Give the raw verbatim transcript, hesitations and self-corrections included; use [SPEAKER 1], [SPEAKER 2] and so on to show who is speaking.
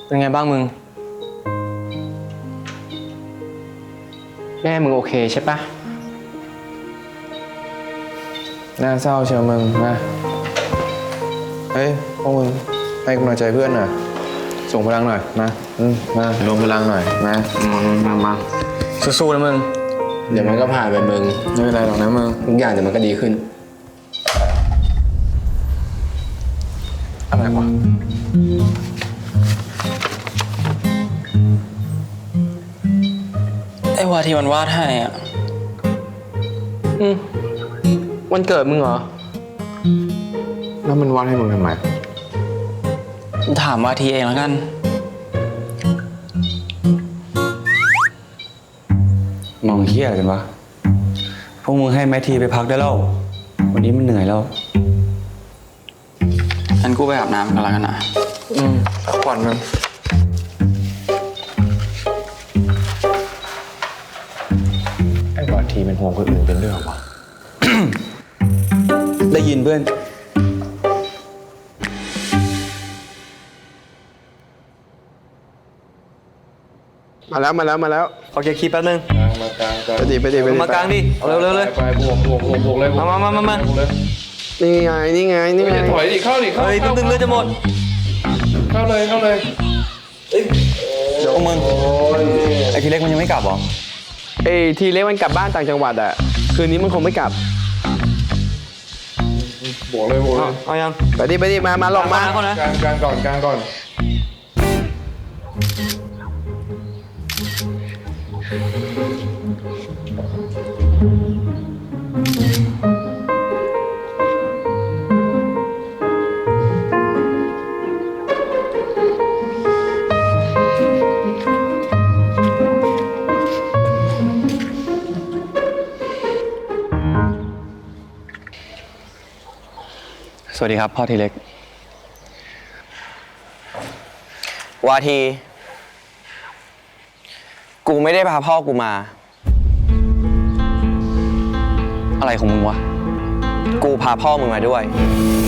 [SPEAKER 1] เป็นไงบ้างมึงแม่มึงโอเคใช่ปะ
[SPEAKER 2] น่าเศร้าเชียวมึงมาเฮ้ยพวกมึงให้กำลังใจเพื่อนหน่อยส่งพลังหน่อยมาอืมมารวมพลังหน่อยมามามา
[SPEAKER 1] สู้ๆนะมึง
[SPEAKER 2] เดี๋ยวมันก็ผ่านไปมึงไม่เป็นไรหรอกนะมึงทุกอย่างเดี๋ยวมันก็ดีขึ้นอะไรวะ
[SPEAKER 3] ไอ้วาที่มันวาดให้อ่ะ
[SPEAKER 1] อืมวันเกิดมึงเหรอ
[SPEAKER 2] แล้วมันวาดให้มึงทำไม
[SPEAKER 3] ถามวาทีเองแล้วกัน
[SPEAKER 4] มองเฮี้ยอะไรกันวะพวกมึงให้แมททีไปพักได้แล้ววันนี้มันเหนื่อยแล้ว
[SPEAKER 3] งั้นกูไปอาบน้ำกันแล้วกันนะ
[SPEAKER 2] อืมพักผ่อนมึงไอ้วาทีเป็นห่วงคนอื่นเป็นเรื่องวะ
[SPEAKER 4] ได้ยินเพื่อน
[SPEAKER 2] มาแล้วมาแล้วมาแล้ว
[SPEAKER 1] ขอเคลียร์คลิปแป๊บนึง
[SPEAKER 2] มากลางไปดิไปดิไปดิ
[SPEAKER 1] มากลางดิเร็วเร็วเลย
[SPEAKER 2] ไปบวกบวกบวกบวกเลย
[SPEAKER 1] มามามามา
[SPEAKER 2] นี่ไงนี่ไงนี่ไง
[SPEAKER 5] ถอยดิเข้าดิเข้า
[SPEAKER 1] เฮ้ยแป๊บนึงเลือดจะหมด
[SPEAKER 5] เข้าเลยเข้าเลย
[SPEAKER 4] พวกมึงไอ้ทีเล็กมันยังไม่กลับหรอ
[SPEAKER 1] เอ้ยทีเล็กมันกลับบ้านต่างจังหวัดอ่ะคืนนี้มันคงไม่กลับบ
[SPEAKER 5] วกเลยบวกเลย
[SPEAKER 1] เอายัง
[SPEAKER 2] ไปดิไปดิมามาลองมา
[SPEAKER 1] เขานะ
[SPEAKER 5] กลางกลางก่อนกลางก่อน
[SPEAKER 4] สวัสดีครับพ่อทีเล็ก
[SPEAKER 3] วาที กูไม่ได้พาพ่อกูมา
[SPEAKER 4] อะไรของมึงวะ
[SPEAKER 3] กูพาพ่อมึงมาด้วย